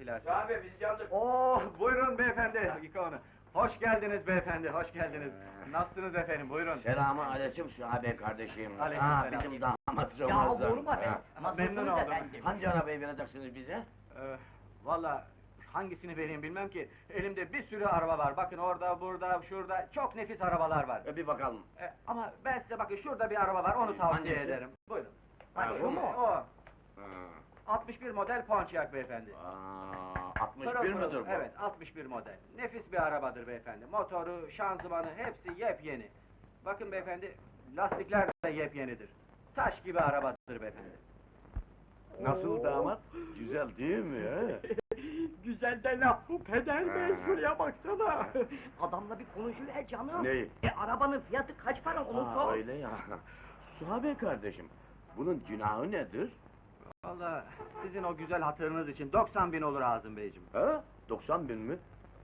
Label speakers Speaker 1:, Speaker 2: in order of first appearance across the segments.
Speaker 1: silersin.
Speaker 2: Abi biz yandık.
Speaker 1: Buyurun beyefendi. Dakika onu. Hoş geldiniz beyefendi, hoş geldiniz. Nasılsınız efendim, buyurun.
Speaker 2: Selamı aleyküm Şuabe kardeşim.
Speaker 1: Aleykümselam.
Speaker 2: Bizim damat
Speaker 3: Ya
Speaker 2: Ramazan.
Speaker 3: olur mu efendim?
Speaker 1: Memnun
Speaker 3: Nasılsınız
Speaker 1: oldum.
Speaker 3: efendim?
Speaker 2: Hangi arabayı vereceksiniz bize?
Speaker 1: Valla hangisini vereyim bilmem ki. Elimde bir sürü araba var. Bakın orada, burada, şurada çok nefis arabalar var.
Speaker 2: Bir bakalım.
Speaker 1: Ama ben size bakın şurada bir araba var, onu tavsiye
Speaker 2: Hangisi?
Speaker 1: ederim. Buyurun.
Speaker 2: Ha, bu mu?
Speaker 1: O.
Speaker 2: Ha.
Speaker 1: 61 model Pontiac beyefendi.
Speaker 2: 61
Speaker 1: Pırıl pırıl,
Speaker 2: müdür bu?
Speaker 1: Evet, 61 model. Nefis bir arabadır beyefendi. Motoru, şanzımanı hepsi yepyeni. Bakın beyefendi, lastikler de yepyenidir. Taş gibi arabadır beyefendi.
Speaker 2: Nasıl damat? Güzel değil mi he?
Speaker 3: Güzel de laf bu peder bey,
Speaker 2: Ha.
Speaker 3: şuraya baksana! Adamla bir konuşuver canım!
Speaker 2: Neyi?
Speaker 3: Arabanın fiyatı kaç para onu
Speaker 2: Ha,
Speaker 3: sor!
Speaker 2: öyle ya. Suhabe kardeşim, bunun günahı nedir?
Speaker 1: Vallahi sizin o güzel hatırınız için 90.000 olur Azim beyciğim.
Speaker 2: Ha? 90.000 mi?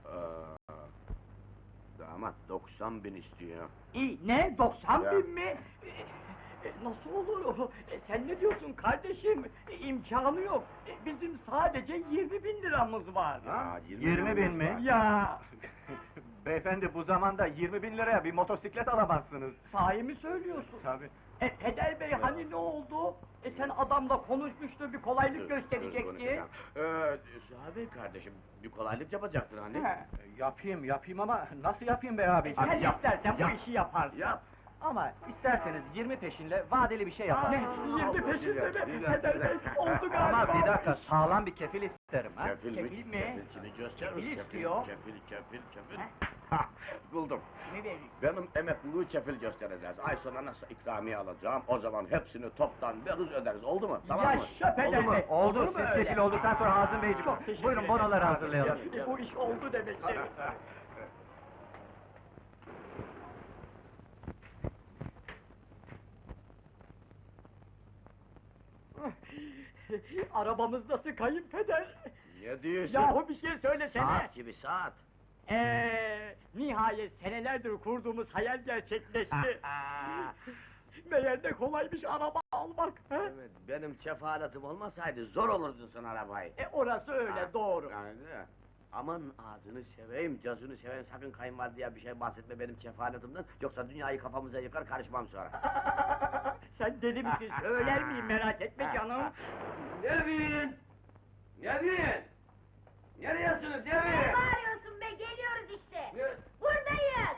Speaker 2: Damat 90.000 istiyor.
Speaker 3: İyi, ne? 90
Speaker 2: Ya.
Speaker 3: bin mi? Nasıl olur? Sen ne diyorsun kardeşim? İmkanı yok. Bizim sadece 20 bin liramız var.
Speaker 2: Ha,
Speaker 1: 20.000 mi?
Speaker 3: Ya,
Speaker 1: Beyefendi bu zamanda 20.000 liraya bir motosiklet alamazsınız.
Speaker 3: sahi mi söylüyorsun?
Speaker 1: Tabii.
Speaker 3: Peder bey hani ne oldu? Sen adamla konuşmuştu, bir kolaylık gösterecekti.
Speaker 2: Suhabe kardeşim, bir kolaylık yapacaktın hani.
Speaker 3: He.
Speaker 1: Yapayım ama nasıl yapayım be abi?
Speaker 3: Sen
Speaker 2: Hadi yap,
Speaker 3: istersen
Speaker 2: yap.
Speaker 3: bu işi yaparsın.
Speaker 2: Yap!
Speaker 1: Ama isterseniz 20 peşinle vadeli bir şey yapalım.
Speaker 3: Ne? 20 peşinde mi?
Speaker 2: Güzel,
Speaker 3: Peder
Speaker 2: güzel.
Speaker 3: bey, oldu galiba.
Speaker 1: Ama bir dakika, sağlam bir kefil isterim ha.
Speaker 2: Kefil mi?
Speaker 3: Kefil mi?
Speaker 2: Kefilini göster.
Speaker 3: Kefil istiyor.
Speaker 2: Kefil.
Speaker 3: He?
Speaker 2: Ha, buldum.
Speaker 3: Ne vereyim?
Speaker 2: Benim emekliliği kefil göstereceğiz. Ay sonra nasıl ikramiye alacağım, o zaman hepsini toptan veririz öderiz. Oldu mu? Tamam mı?
Speaker 3: Yaşa peder bey!
Speaker 1: Oldu,
Speaker 3: Olur mu
Speaker 1: siz
Speaker 3: öyle?
Speaker 1: kefil olduktan sonra Hazım Beyciğim.
Speaker 3: Çok teşekkür
Speaker 1: Buyurun
Speaker 3: ederim.
Speaker 1: bonoları hazırlayalım.
Speaker 3: Bu iş oldu demektir. Arabamız nasıl kayınpeder?
Speaker 2: Ne diyorsun?
Speaker 3: Yahu bir şey söylesene!
Speaker 2: Saat gibi saat.
Speaker 3: Nihayet senelerdir kurduğumuz hayal gerçekleşti. Meğer de kolaymış araba almak, he?
Speaker 2: Evet, benim kefaletim olmasaydı zor olurdun sen arabayı.
Speaker 3: Orası öyle, doğru.
Speaker 2: Yani, aman ağzını seveyim, gözünü seveyim, sakın kayınvalideye bir şey bahsetme benim kefaletimden, yoksa dünyayı kafamıza yıkar, karışmam sonra.
Speaker 3: Sen deli misin, söyler miyim, merak etme canım.
Speaker 2: Nevin! Nevin! Neredesiniz
Speaker 4: Ne
Speaker 2: Nevin?
Speaker 4: bağırıyorsun be? Geliyoruz işte! Buradayız!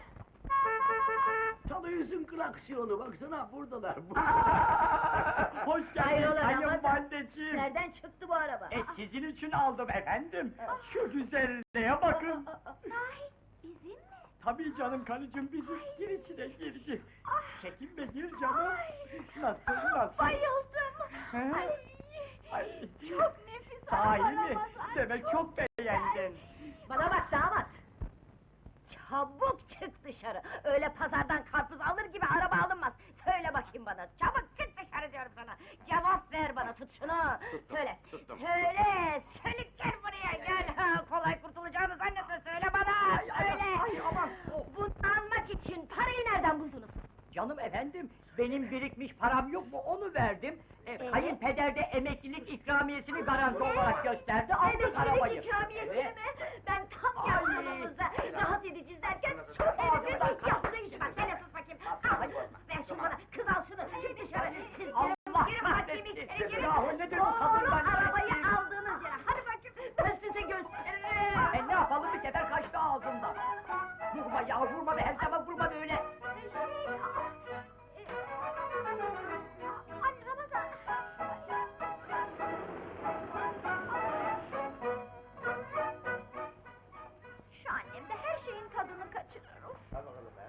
Speaker 2: Çalıyorsun klaksiyonu, baksana buradalar.
Speaker 3: Hoş geldin
Speaker 4: Hayrola Ramazan?
Speaker 3: kayınvalideciğim.
Speaker 4: Nereden çıktı bu araba?
Speaker 3: Sizin için aldım efendim. Şu güzelliğe bakın.
Speaker 4: Sahi, bizim mi?
Speaker 3: Tabii canım karıcığım bizim. Gir içine gir.
Speaker 4: Ah.
Speaker 3: Çekinme gir canım.
Speaker 4: Ay.
Speaker 3: Nasıl?
Speaker 4: Bayıldım!
Speaker 3: He?
Speaker 4: Ay,
Speaker 3: Ay.
Speaker 4: çok nefis
Speaker 3: Sahi
Speaker 4: araba
Speaker 3: mi?
Speaker 4: Ramazan,
Speaker 3: Demek çok beğendin.
Speaker 4: Bana bak damat! Çabuk çık dışarı! Öyle pazardan karpuz alır gibi araba alınmaz! Söyle bakayım bana, çabuk çık dışarı diyorum sana! Cevap ver bana, tut şunu! Söyle,
Speaker 2: tuttum.
Speaker 4: söyle! Söyle, gel buraya, gel! Ha, kolay kurtulacağını zannetme, söyle bana! Söyle!
Speaker 3: Ay, aman!
Speaker 4: Bunu almak için parayı nereden buldunuz?
Speaker 3: Canım efendim, benim birikmiş param yok mu onu verdim. Kayınpeder de emeklilik ikramiyesini garanti olarak gösterdi, aldık arabayı.
Speaker 4: Emeklilik ikramiyesini
Speaker 3: Evet.
Speaker 4: mi? Ben tam yaşlılığımızda rahat edeceğiz derken şu
Speaker 3: Ağzından
Speaker 4: herifin
Speaker 3: kaç-
Speaker 4: yaptığı işe bak, sen sus bakayım! Al, ver şunu bana, kız al şunu, çık dışarı! Siz
Speaker 3: Allah
Speaker 4: girin bakayım
Speaker 3: kahretsin!
Speaker 4: içeri girin!
Speaker 3: Yahu nedir bu
Speaker 4: Doğru
Speaker 3: kadından
Speaker 4: arabayı
Speaker 3: kahretsin?
Speaker 4: aldığınız yere, hadi bakayım, ben size gösteririm!
Speaker 3: Ne yapalım, bir sefer kaçtı ağzından. Vurma ya, vurma be, her zaman vurma böyle.
Speaker 4: Hani Ramazan? Şu annem de her şeyin tadını kaçırır. Of.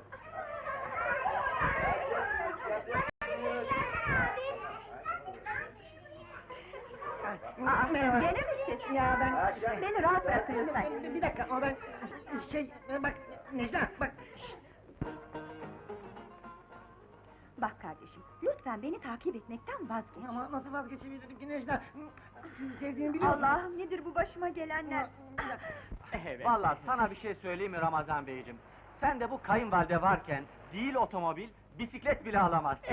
Speaker 5: Merhaba.
Speaker 4: Gene mi siz?
Speaker 5: Ya ben...
Speaker 4: Beni rahat bırakın lütfen.
Speaker 5: Bir dakika, ama ben... bak Necla, bak...
Speaker 4: Bak kardeşim, lütfen beni takip etmekten vazgeç.
Speaker 5: Ama nasıl vazgeçebilirim ki Necla? Sizi sevdiğimi biliyorsun.
Speaker 4: Allah'ım, nedir bu başıma gelenler?
Speaker 3: Evet.
Speaker 1: Vallahi sana bir şey söyleyeyim mi Ramazan Beyciğim? Sen de bu kayınvalide varken değil otomobil, bisiklet bile alamazsın.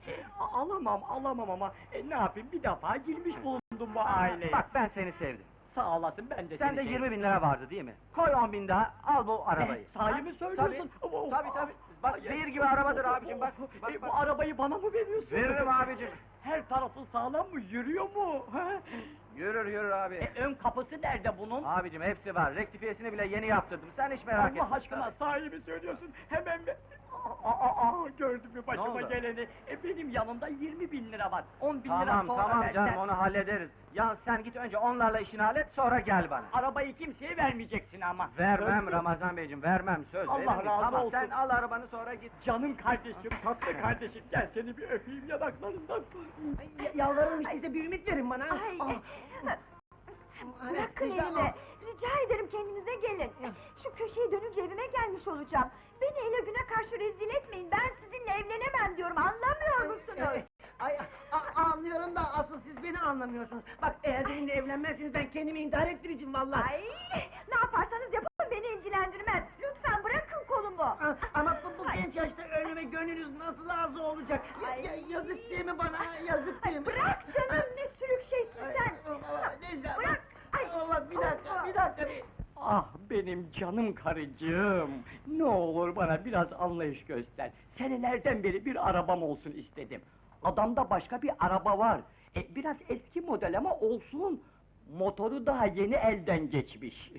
Speaker 3: Alamam ama ne yapayım, bir defa girmiş bulundum bu aileye.
Speaker 1: Bak ben seni sevdim.
Speaker 3: Sağ olasın, ben de
Speaker 1: Sende
Speaker 3: seni
Speaker 1: 20 bin lira vardı değil mi? Koy 10 bin daha, al bu arabayı.
Speaker 3: Sahi mi söylüyorsun?
Speaker 1: Tabii. Bak zehir gibi arabadır abicim, bak.
Speaker 3: Bu arabayı bana mı veriyorsun?
Speaker 1: Veririm abicim.
Speaker 3: Her tarafı sağlam mı, yürüyor mu? Ha?
Speaker 1: Yürür abi.
Speaker 3: Ön kapısı nerede bunun?
Speaker 1: Abicim hepsi var, rektifiyesini bile yeni yaptırdım, sen hiç merak etme.
Speaker 3: Allah aşkına sahi mi söylüyorsun? Hemen bir... Gördün mü başıma
Speaker 1: oldu?
Speaker 3: geleni? Benim yanımda 20 bin lira var. 10 bin lira
Speaker 1: Tamam
Speaker 3: sonra benden.
Speaker 1: canım, onu hallederiz. Ya sen git önce onlarla işini hallet, sonra gel bana.
Speaker 3: Arabayı kimseye vermeyeceksin ama.
Speaker 1: Vermem
Speaker 3: Söz-
Speaker 1: Ramazan Beyciğim, vermem, söz
Speaker 3: Allah
Speaker 1: veririm.
Speaker 3: razı
Speaker 1: Tamam,
Speaker 3: olsun.
Speaker 1: sen al arabanı sonra git.
Speaker 3: Canım kardeşim, tatlı kardeşim, gel seni bir öpeyim yanaklarından.
Speaker 5: Yalvarırım size bir ümit verin bana.
Speaker 4: Ay,
Speaker 5: Hani,
Speaker 4: bırakın
Speaker 5: Necla,
Speaker 4: elimi. Rica ederim kendinize gelin. Şu köşeyi dönünce evime gelmiş olacağım. Beni ele güne karşı rezil etmeyin. Ben sizinle evlenemem diyorum. Anlamıyor musunuz?
Speaker 5: Anlıyorum da asıl siz beni anlamıyorsunuz. Bak eğer benimle evlenmezseniz ben kendimi intihar ettireceğim vallahi.
Speaker 4: Ay, ne yaparsanız yapın beni ilgilendirmez. Lütfen bırakın kolumu.
Speaker 5: Ama bu genç yaşta ölüme gönlünüz nasıl razı olacak? Yazık değil mi bana? Yazık değil mi?
Speaker 4: Bırak canım, ne sürük şeysin sen.
Speaker 5: Necla,
Speaker 4: Bırak. Ay,
Speaker 5: Allah bir dakika.
Speaker 3: Ah benim canım karıcığım! Ne olur bana biraz anlayış göster. Senelerden beri bir arabam olsun istedim. Adamda başka bir araba var. Biraz eski model ama olsun. Motoru daha yeni elden geçmiş.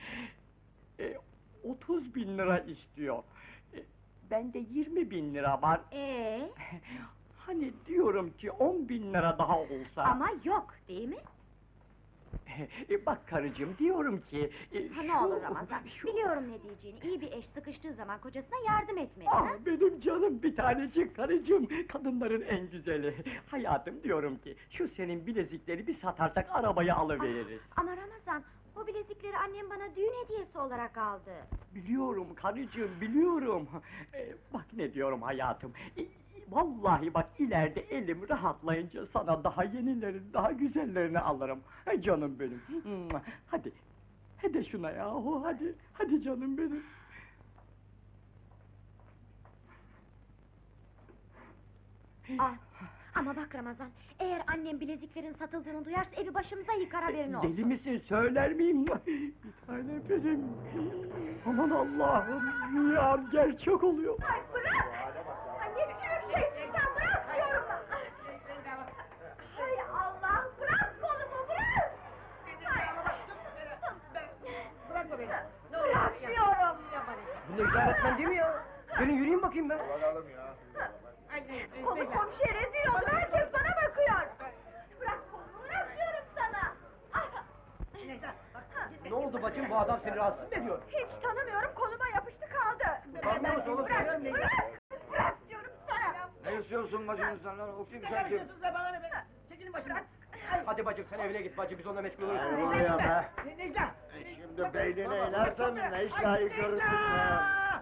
Speaker 3: 30 bin lira istiyor. Bende 20 bin lira var. Hani diyorum ki 10 bin lira daha olsa...
Speaker 4: Ama yok, değil mi?
Speaker 3: Bak karıcığım, diyorum ki...
Speaker 4: Ha, ne olur Ramazan, biliyorum ne diyeceğini. İyi bir eş sıkıştığı zaman kocasına yardım etmeli.
Speaker 3: Ah
Speaker 4: ha?
Speaker 3: benim canım bir tanecik karıcığım, kadınların en güzeli. Hayatım diyorum ki, şu senin bilezikleri bir satarsak arabayı alıveririz.
Speaker 4: Ama Ramazan, bu bilezikleri annem bana düğün hediyesi olarak aldı.
Speaker 3: Biliyorum karıcığım, biliyorum. Bak ne diyorum hayatım. Vallahi bak ileride elim rahatlayınca sana daha yenilerini, daha güzellerini alırım. Canım benim. Hadi şuna yahu, hadi canım benim.
Speaker 4: Ama bak Ramazan, eğer annem bileziklerin satıldığını duyarsa evi başımıza yıkar, haberin olsun.
Speaker 3: Deli misin, söyler miyim? Bir tane benim. Aman Allah'ım, ya gerçek oluyor.
Speaker 4: Ay bırak! Ay ne sürük şeysin sen, bırak diyorum! Hay Allah, bırak kolumu, bırak!
Speaker 5: Bırakma beni.
Speaker 4: Bırak diyorum!
Speaker 5: Bu Necla öğretmen değil mi ya? Gelin yürüyeyim bakayım ben.
Speaker 4: Konu komşuya rezil oldu, herkes bana bakıyor! Bırak kolumu, bırak diyorum sana!
Speaker 5: Ne oldu bacım, bu adam seni rahatsız mı ediyor?
Speaker 4: Hiç tanımıyorum, koluma yapıştı kaldı!
Speaker 5: Utanmıyor musun oğlum?
Speaker 4: Bırak, bırak! Bırak diyorum sana!
Speaker 1: Ne istiyorsun bacımızdan lan, o kim
Speaker 5: Ne yapıyorsunuz be bana ne be? Çekilin başımdan. Hadi bacım sen evine git bacım, biz onunla meşgul oluruz.
Speaker 2: Ne oluyor be?
Speaker 5: Necla!
Speaker 2: Şimdi beynine inersen ne iş layık görürsün be?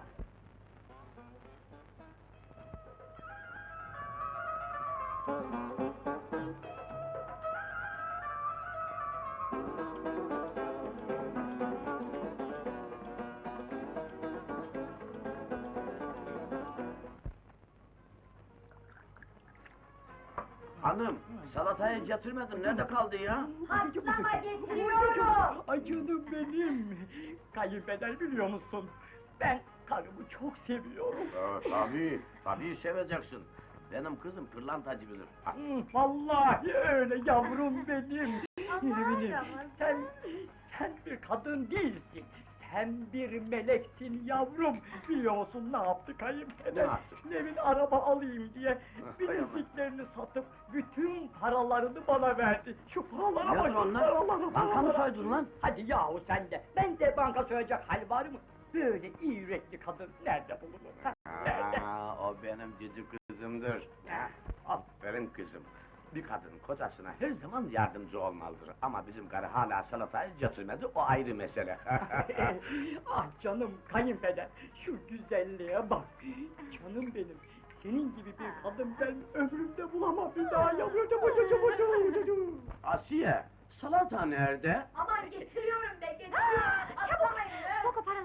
Speaker 2: Hanım, salatayı getirmedin, nerede kaldı ya?
Speaker 4: Patlama getiriyorum!
Speaker 3: Ay canım benim! Kayınpeder biliyor musun? Ben karımı çok seviyorum.
Speaker 2: Tabii seveceksin. Benim kızım pırlantacı bilir.
Speaker 3: Vallahi öyle yavrum benim!
Speaker 4: Aman
Speaker 3: Eminim,
Speaker 4: Ramazan!
Speaker 3: sen bir kadın değilsin. Sen bir meleksin yavrum. Biliyor musun ne yaptı kayınpeder?
Speaker 2: Ne yaptı?
Speaker 3: Nevin araba alayım diye bileziklerini satıp bütün paralarını bana verdi. Şu paralara
Speaker 2: Nedir
Speaker 3: bak,
Speaker 2: onlar?
Speaker 3: paralara,
Speaker 2: Banka mı
Speaker 3: paralara.
Speaker 2: soydun lan?
Speaker 3: Hadi yahu sen de, ben de banka soyacak hal var mı? Böyle iyi yürekli kadın nerede bulunur? ha? Nerede?
Speaker 2: O benim cici kızımdır. Aferin kızım. Bir kadın kocasına her zaman yardımcı olmalıdır. Ama bizim karı hala salatayı getirmedi, o ayrı mesele.
Speaker 3: Ah canım kayınpeder, şu güzelliğe bak! Canım benim, senin gibi bir kadın ben ömrümde bulamam bir daha yavrucuğum.
Speaker 2: Asiye, salata nerede?
Speaker 4: Aman getiriyorum be, getiriyorum! Çabuk! Sok o paraları cebine!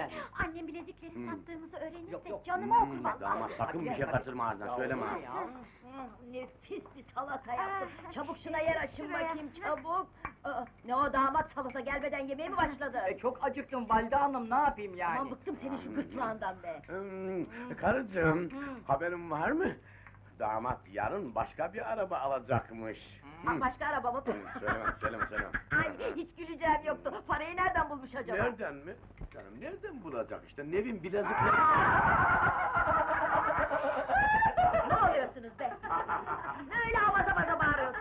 Speaker 3: yani.
Speaker 4: Annem bilezikleri sattığımızı öğrenirse
Speaker 3: Yok, yok.
Speaker 4: canımı okur vallahi.
Speaker 2: Damat sakın bir şey kaçırma ağzından, söyleme ha.
Speaker 3: Ya.
Speaker 4: Nefis bir salata yaptım. Çabuk şuna yer açın
Speaker 6: Şuraya.
Speaker 4: bakayım çabuk. Ne o damat salata gelmeden yemeğe mi başladı?
Speaker 3: Çok acıktım Valide Hanım, ne yapayım yani?
Speaker 4: Aman bıktım senin şu gırtlağından be.
Speaker 2: Karıcığım, haberin var mı? Damat yarın başka bir araba alacakmış.
Speaker 4: Başka araba mı?
Speaker 2: Söyleme.
Speaker 4: Ay hiç güleceğim yoktu. Parayı nereden bulmuş acaba?
Speaker 2: Nereden mi? Canım nereden bulacak işte, Nevin bilezikleri...
Speaker 4: Ne oluyorsunuz be? Öyle avaza baza bağırıyorsunuz.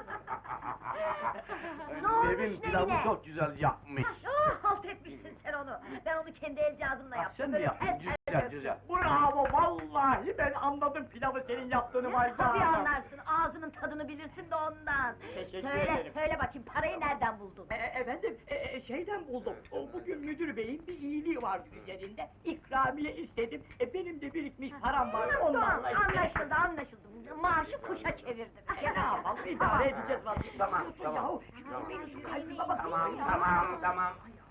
Speaker 4: Ne olmuş
Speaker 2: Nevin pilavı
Speaker 4: Nevin'e?
Speaker 2: çok güzel yapmış.
Speaker 4: Halt etmişsin sen onu. Ben onu kendi el cihazımla
Speaker 2: Ah,
Speaker 4: yaptım.
Speaker 2: sen mi
Speaker 4: Böyle
Speaker 2: yaptın?
Speaker 4: tel tel
Speaker 2: Güzel,
Speaker 4: döktüm.
Speaker 2: güzel.
Speaker 3: Bravo, vallahi ben anladım pilavı senin yaptığını Valide
Speaker 4: Tabii
Speaker 3: Hanım.
Speaker 4: anlarsın, ağzının tadını bilirsin de ondan.
Speaker 3: Teşekkür
Speaker 4: söyle,
Speaker 3: ederim.
Speaker 4: söyle bakayım, parayı nereden buldun?
Speaker 3: Efendim, şeyden buldum. Bugün müdür beyin bir iyiliği vardı üzerinde. İkramiye istedim. Benim de birikmiş param var.
Speaker 4: Tamam,
Speaker 3: Onlarla
Speaker 4: anlaşıldı. Maaşı kuşa çevirdin.
Speaker 3: Ya ne yapalım, idare edeceğiz vallahi.
Speaker 2: Tamam.
Speaker 3: Yahu, şu kalbime bak.
Speaker 2: Tamam.